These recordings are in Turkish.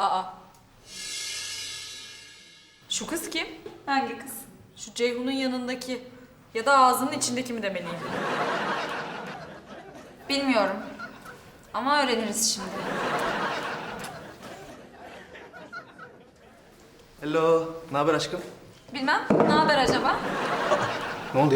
Aa. Şu kız kim? Hangi kız? Şu Ceyhun'un yanındaki ya da ağzının içindeki mi demeliyim? Bilmiyorum. Ama öğreniriz şimdi. Hello, ne haber aşkım? Bilmem. Ne haber acaba? Ne oldu ya?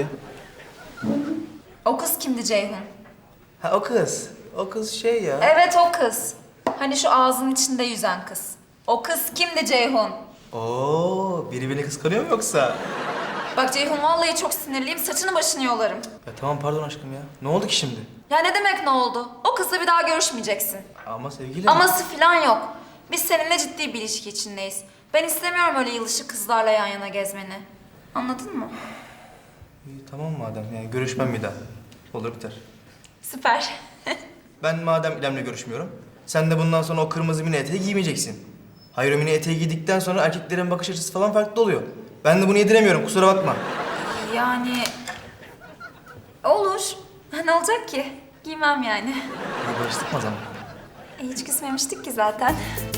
O kız kimdi Ceyhun? Ha o kız. O kız şey ya. Evet o kız. Hani şu ağzının içinde yüzen kız. O kız kimdi Ceyhun? Oo, biri beni kıskanıyor mu yoksa? Bak Ceyhun vallahi çok sinirliyim. Saçını başını yolarım. Ya tamam pardon aşkım ya. Ne oldu ki şimdi? Ya ne demek ne oldu? O kızla bir daha görüşmeyeceksin. Ama sevgilim. Aması falan yok. Biz seninle ciddi bir ilişki içindeyiz. Ben istemiyorum öyle yılışık kızlarla yan yana gezmeni. Anladın mı? İyi, tamam madem yani görüşmem bir daha. Olur biter. Süper. Ben madem İrem'le görüşmüyorum, sen de bundan sonra o kırmızı mini eteği giymeyeceksin. Hayır o mini eteği giydikten sonra erkeklerin bakış açısı falan farklı oluyor. Ben de bunu yediremiyorum kusura bakma. Yani... Olur. Ne olacak ki? Giymem yani. İyi barıştık mı o zaman? Hiç küsmemiştik ki zaten.